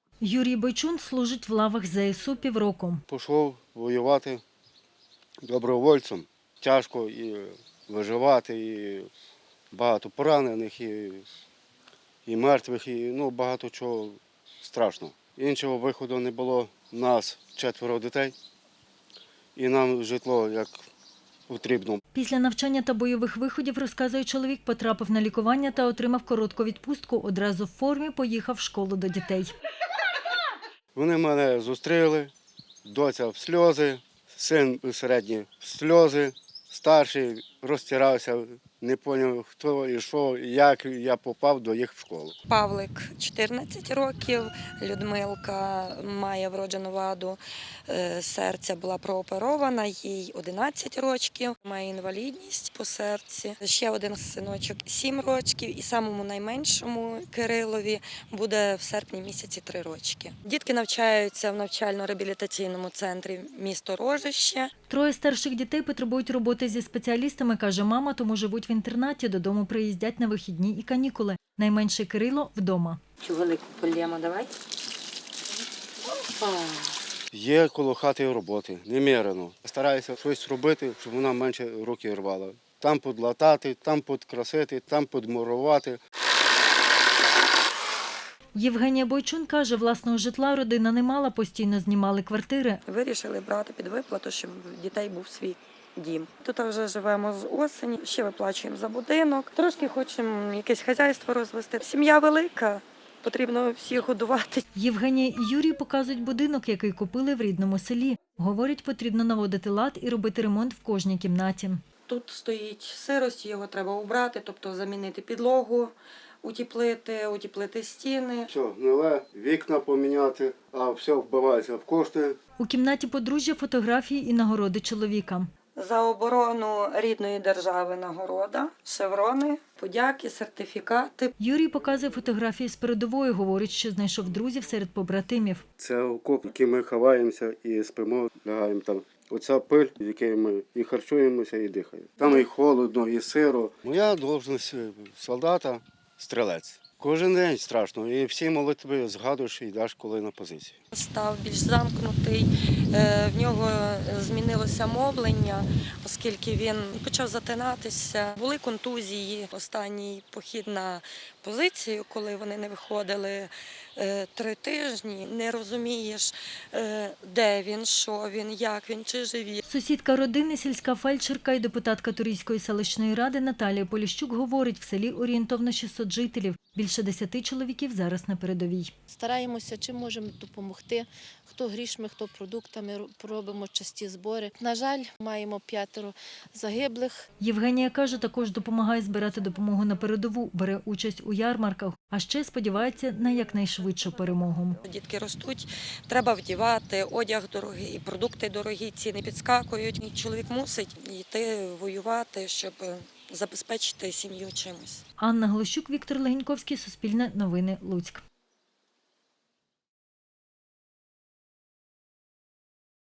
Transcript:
Юрій Бойчун служить в лавах ЗСУ півроку. Пішов воювати добровольцем. Тяжко і виживати, і багато поранених, і мертвих, і багато чого страшного. Іншого виходу не було. У нас 4 дітей, і нам житло як потрібно. Після навчання та бойових виходів, розказує чоловік, потрапив на лікування та отримав коротку відпустку. Одразу в формі поїхав в школу до дітей. Вони мене зустріли, доця в сльози, син середній в сльози, старший розтирався, не зрозумів, хто і що, як я попав до їх в школу. Павлик 14 років, Людмилка має вроджену ваду серця, була прооперована, їй 11 років, має інвалідність по серці. Ще один синочок 7 років і самому найменшому Кирилові буде в серпні місяці 3 рочки. Дітки навчаються в навчально-реабілітаційному центрі місто Рожище. 3 старших дітей потребують роботи зі спеціалістами, каже мама, тому живуть в інтернаті, додому приїздять на вихідні і канікули. Найменший Кирило – вдома. Цю велику полємо давай. Є коло хати роботи, немірено. Стараюся щось робити, щоб вона менше руки рвала. Там подлатати, там підкрасити, там підмурувати. Євгенія Бойчун каже, власного житла родина не мала, постійно знімали квартири. Вирішили брати під виплату, щоб в дітей був свій дім. Тут вже живемо з осені, ще виплачуємо за будинок. Трошки хочемо якесь хазяйство розвести. Сім'я велика, потрібно всіх годувати. Євгенія і Юрій показують будинок, який купили в рідному селі. Говорять, потрібно наводити лад і робити ремонт в кожній кімнаті. Тут стоїть сирость, його треба убрати, тобто замінити підлогу, утеплити стіни. Все, нове, вікна поміняти, а все вбивається в кошти. У кімнаті подружжя фотографії і нагороди чоловіка. За оборону рідної держави нагорода, шеврони, подяки, сертифікати. Юрій показує фотографії з передової, говорить, що знайшов друзів серед побратимів. Це окоп, в який ми ховаємося і спимо, лягаємо там. Оця пиль, в якій ми і харчуємося, і дихаємо. Там і холодно, і сиро. Моя должність солдата – стрілець. Кожен день страшно, і всі молитви згадуєш і йдеш коли на позицію. Став більш замкнутий, в нього змінилося мовлення, оскільки він почав затинатися. Були контузії. Останній похід на позицію, коли вони не виходили 3 тижні, не розумієш, де він, що він, як він, чи живі. Сусідка родини, сільська фельдшерка і депутатка Турійської селищної ради Наталія Поліщук говорить, в селі орієнтовно 600 жителів. Більше 10 чоловіків зараз на передовій. Стараємося, чим можемо допомогти. Хто грішми, хто продуктами, робимо часті збори. На жаль, маємо 5 загиблих. Євгенія каже, також допомагає збирати допомогу на передову, бере участь у ярмарках, а ще сподівається на якнайшвидшу перемогу. Дітки ростуть, треба вдівати, одяг дорогий, продукти дорогі, ціни підскакують. І чоловік мусить йти воювати, щоб забезпечити сім'ю чимось. Анна Глощук, Віктор Легеньковський, Суспільне новини, Луцьк.